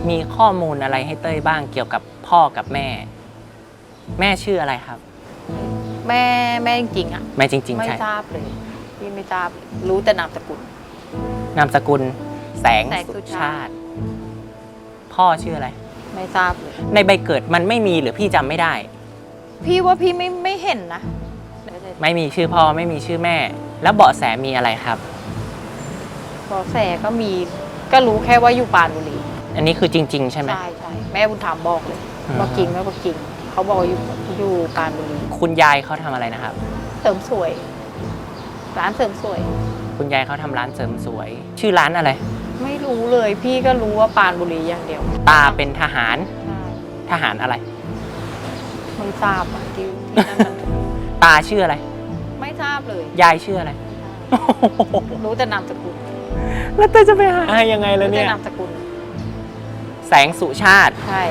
มีข้อมูลอะไรให้เต้ยบ้างเกี่ยวกับพ่อกับแม่ แม่ชื่ออะไรครับแม่จริงๆอ่ะแม่จริงๆไม่ใช่ทราบเลยพี่ไม่ทราบรู้แต่นามสกุลนามสกุลแสงสุสุชาติพ่อชื่ออะไรไม่ทราบเลยในใบเกิดมันไม่มีหรือพี่จำไม่ได้พี่ว่าพี่ไม่เห็นนะไม่มีชื่อพ่อไม่มีชื่อแม่ แล้วเบาะแสมีอะไรครับเบาะแสก็มีก็รู้แค่ว่าอยู่ปรานบุรีอันนี้คือจริงๆใช่ไหมใช่แม่บุญธรรมบอกเลยว่าจริงไม่ว่าจริงเขาบอกอยู่ปรานบุรีคุณยายเขาทำอะไรนะครับเสริมสวยร้านเสริมสวยคุณยายเขาทำร้านเสริมสวยชื่อร้านอะไรไม่รู้เลยพี่ก็รู้ว่าปรานบุรีอย่างเดียวตาเป็นทหารทหารอะไรไม่ทราบอ่ะที่นั่นมันตาชื่ออะไรไม่ทราบเลยยายชื่ออะไรรู้แต่นามสกุลแล้วเต้จะไปหายังไงแล้วเนี่ยนามสกุลแสงสุชาติใช่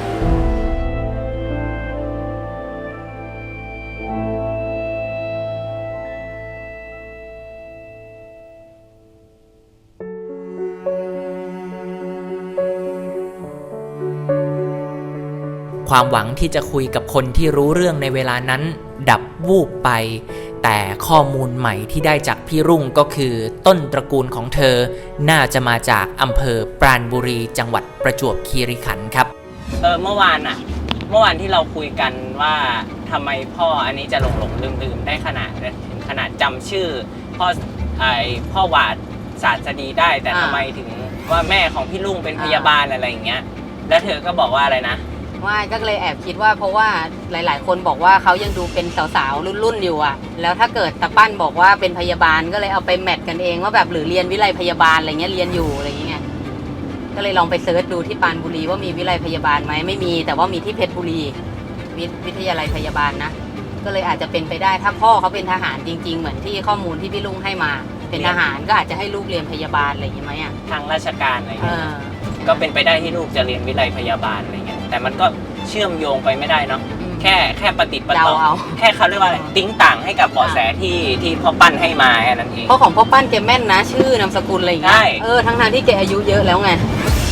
ความหวังที่จะคุยกับคนที่รู้เรื่องในเวลานั้นดับวูบไปแต่ข้อมูลใหม่ที่ได้จากพี่รุ่งก็คือต้นตระกูลของเธอน่าจะมาจากอำเภอปราณบุรีจังหวัดประจวบคีรีขันธ์ครับเมื่อวานที่เราคุยกันว่าทำไมพ่ออันนี้จะหลงลืมได้ถึงขนาดจำชื่อพ่อหวาดศาสดีได้แต่ทำไมถึงว่าแม่ของพี่รุ่งเป็นพยาบาลอะไรอย่างเงี้ยแล้วเธอก็บอกว่าอะไรนะว่าก็เลยแอบคิดว่าเพราะว่าหลายๆคนบอกว่าเขายังดูเป็นสาวๆรุ่นๆอยู่อ่ะแล้วถ้าเกิดตาปั้นบอกว่าเป็นพยาบาลก็เลยเอาไปแมทกันเองว่าแบบหรือเรียนวิไลพยาบาลอะไรเงี้ยเรียนอยู่อะไรอย่างเงี้ยก็เลยลองไปเซิร์ชดูที่ปรานบุรีว่ามีวิไลพยาบาลไหมไม่มีแต่ว่ามีที่เพชรบุรีวิทยาลัยพยาบาลนะก็เลยอาจจะเป็นไปได้ถ้าพ่อเขาเป็นทหารจริงๆเหมือนที่ข้อมูลที่พี่ลุงให้มาเป็นทหารก็อาจจะให้ลูกเรียนพยาบาลอะไรอย่างเงี้ยไหมอ่ะทางราชการอะไรเงี้ยก็เป็นไปได้ที่ลูกจะเรียนวิไลพยาบาลอะไรเงี้ยแต่มันก็เชื่อมโยงไปไม่ได้เนาะแค่ปฏิดประต่อแค่เขาเรียกว่าอะไรติ้งต่างให้กับเบาะแสที่พ่อปั้นให้มาแค่นั้นเองเพราะของพ่อปั้นแกแม่นนะชื่อนามสกุลอะไรอย่างเงี้ยทั้งที่แกอายุเยอะแล้วไง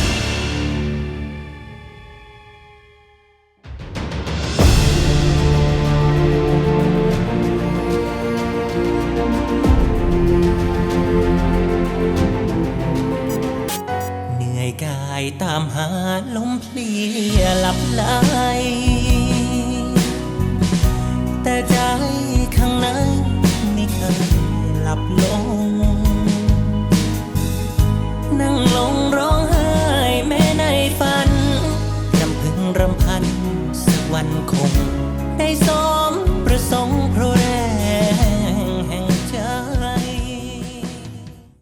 ตามหาลมเพลียหลับไหลแต่ใจข้างในไม่เคยหลับลงนั่งลงร้องไห้แม้ในฝันรำพึงรำพันสักวันคงได้ส